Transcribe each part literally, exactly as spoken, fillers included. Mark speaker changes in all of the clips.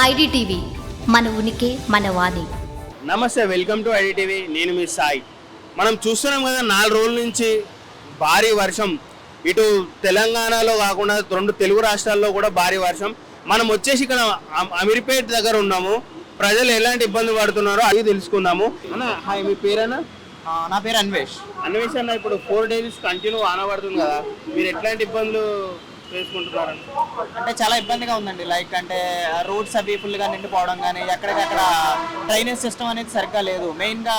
Speaker 1: IDTV మన ఉనికి మన వాణి.
Speaker 2: నమస్తే, వెల్కమ్ టు ఐడిటీవీ. నేను మీ సాయి. మనం చూస్తున్నాం కదా, నాలుగు రోజుల నుంచి భారీ వర్షం ఇటు తెలంగాణలో కాకుండా రెండు తెలుగు రాష్ట్రాల్లో కూడా భారీ వర్షం. మనం వచ్చేసి ఇక్కడ అమీర్పేట్ దగ్గర ఉన్నాము. ప్రజలు ఎలాంటి ఇబ్బంది పడుతున్నారో అది తెలుసుకుందాము. అన్న హాయ్, మీ పేరేనా?
Speaker 3: నా పేరు అన్వేష్.
Speaker 2: అన్వేష్ అన్న, ఇప్పుడు ఫోర్ డేస్ కంటిన్యూ వాన పడుతుంది కదా, మీరు ఎట్లాంటి ఇబ్బందులు చేసుకుంటున్నారని?
Speaker 3: అంటే చాలా ఇబ్బందిగా ఉందండి. లైక్ అంటే రోడ్స్ అవి ఫుల్గా నిండిపోవడం కానీ, ఎక్కడికక్కడ డ్రైనేజ్ సిస్టమ్ అనేది సరిగ్గా లేదు. మెయిన్గా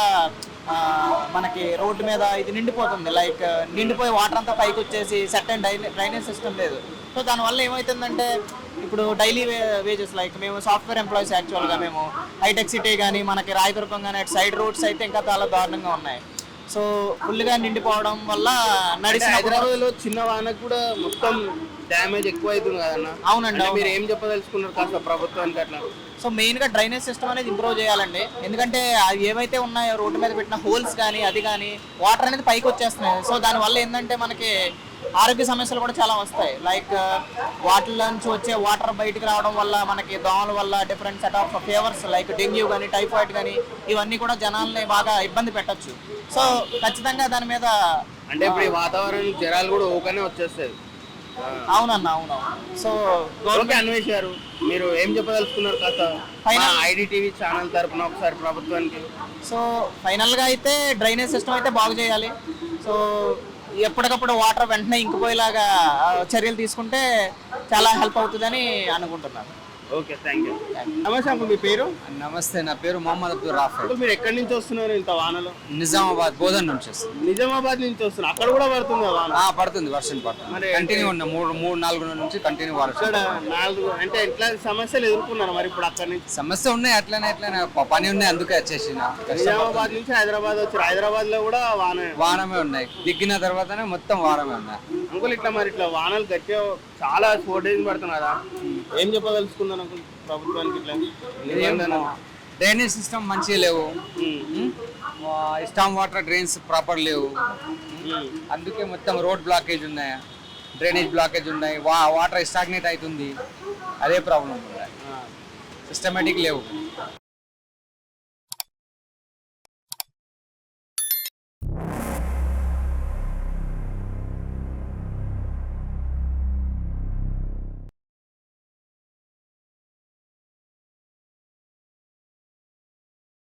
Speaker 3: మనకి రోడ్డు మీద ఇది నిండిపోతుంది. లైక్ నిండిపోయి వాటర్ అంతా పైకి వచ్చేసి సెట్ అండ్ డ్రైనేజ్ సిస్టమ్ లేదు. సో దానివల్ల ఏమవుతుందంటే ఇప్పుడు డైలీ వేజెస్, లైక్ మేము సాఫ్ట్వేర్ ఎంప్లాయీస్ యాక్చువల్గా, మేము హైటెక్ సిటీ కానీ మనకి రాయదుర్గం కానీ అటు సైడ్ రోడ్స్ అయితే ఇంకా చాలా దారుణంగా ఉన్నాయి. సో ఫుల్గా నిండిపోవడం వల్ల నడిచిన
Speaker 2: హైదరాబాద్ లో చిన్న వానకు కూడా మొత్తం డ్యామేజ్ ఎక్కువ అవుతుంది కదన్న.
Speaker 3: అవునండి.
Speaker 2: మీరు ఏం చెప్పదలుచుకున్నారు కాస్త ప్రభుత్వానికి అట్లా?
Speaker 3: సో మెయిన్గా డ్రైనేజ్ సిస్టమ్ అనేది ఇంప్రూవ్ చేయాలండి. ఎందుకంటే అవి ఏవైతే ఉన్నాయో రోడ్డు మీద పెట్టిన హోల్స్ కానీ అది కానీ వాటర్ అనేది పైకి వచ్చేస్తున్నాయి. సో దానివల్ల ఏంటంటే మనకి ఆరోగ్య సమస్యలు కూడా చాలా వస్తాయి. లైక్ వాటిలో నుంచి వచ్చే వాటర్ బయటకు రావడం వల్ల మనకి దోమల వల్ల different set of fevers like dengue కానీ టైఫాయిడ్ కానీ ఇవన్నీ కూడా జనాల్ని బాగా ఇబ్బంది పెట్టచ్చు. సో ఖచ్చితంగా దాని మీద
Speaker 2: అంటే ఇప్పుడు ఈ వాతావరణం జ్వరాలు కూడా ఓకనే వచ్చేస్తాయి.
Speaker 3: అవునన్న అవును. సో
Speaker 2: గవర్నమెంట్ అన్వేషారు, మీరు ఏం చెప్పదలుచుకున్నారు కాస్త ఐడిటీవీ ఛానల్ తరపున ఒకసారి ప్రభుత్వానికి?
Speaker 3: సో ఫైనల్గా అయితే డ్రైనేజ్ సిస్టమ్ అయితే బాగు చేయాలి. సో ఎప్పటికప్పుడు వాటర్ వెంటనే ఇంకిపోయేలాగా చర్యలు తీసుకుంటే చాలా హెల్ప్ అవుతుందని అనుకుంటున్నాను.
Speaker 2: Okay, thank you. నమస్తే అంకుల్, మీ పేరు?
Speaker 4: నమస్తే, నా పేరు మొహమ్మద్ అబ్దుల్ రాఫెల్.
Speaker 2: మీరు ఎక్కడి నుంచి వస్తున్నారు ఇంత వానలో?
Speaker 4: నిజామాబాద్ బోధన్ నుంచి వస్తుంది.
Speaker 2: నిజామాబాద్ నుంచి వస్తున్నారు, అక్కడ కూడా పడుతుంది వాన?
Speaker 4: పడుతుంది, వర్షం పడుతుంది. కంటిన్యూ ఉన్న మూడు మూడు నాలుగు నుంచి కంటిన్యూ వర్షం.
Speaker 2: ఇక్కడ నాలుగు అంటే ఎట్లా సమస్యలు ఎదుర్కొన్నారు మరి ఇప్పుడు అక్కడ నుంచి?
Speaker 4: సమస్య ఉన్నాయి, అట్లనే అట్లనే పని ఉన్నాయి, అందుకే వచ్చేసి
Speaker 2: నిజామాబాద్ నుంచి హైదరాబాద్ వచ్చారు. హైదరాబాద్ లో కూడా వాన
Speaker 4: వానమే ఉన్నాయి, దిగిన తర్వాతనే మొత్తం వానమే ఉన్నాయి.
Speaker 2: అంకుల్ ఇట్లా మరి ఇట్లా వానలు గట్టిగా చాలా ఫోర్ డేస్ పడుతుంది కదా, ఏం చెప్పదలుచుకున్నాను అంకుల్ ప్రభుత్వానికి? ఇట్లా
Speaker 4: డ్రైనేజ్ సిస్టమ్ మంచిగా లేవు, స్టామ్ వాటర్ డ్రైన్స్ ప్రాపర్ లేవు, అందుకే మొత్తం రోడ్ బ్లాకేజ్ ఉన్నాయి, డ్రైనేజ్ బ్లాకేజ్ ఉన్నాయి, వా వాటర్ స్టాగ్నేట్ అవుతుంది, అదే ప్రాబ్లం ఉన్నాయి, సిస్టమేటిక్ లేవు.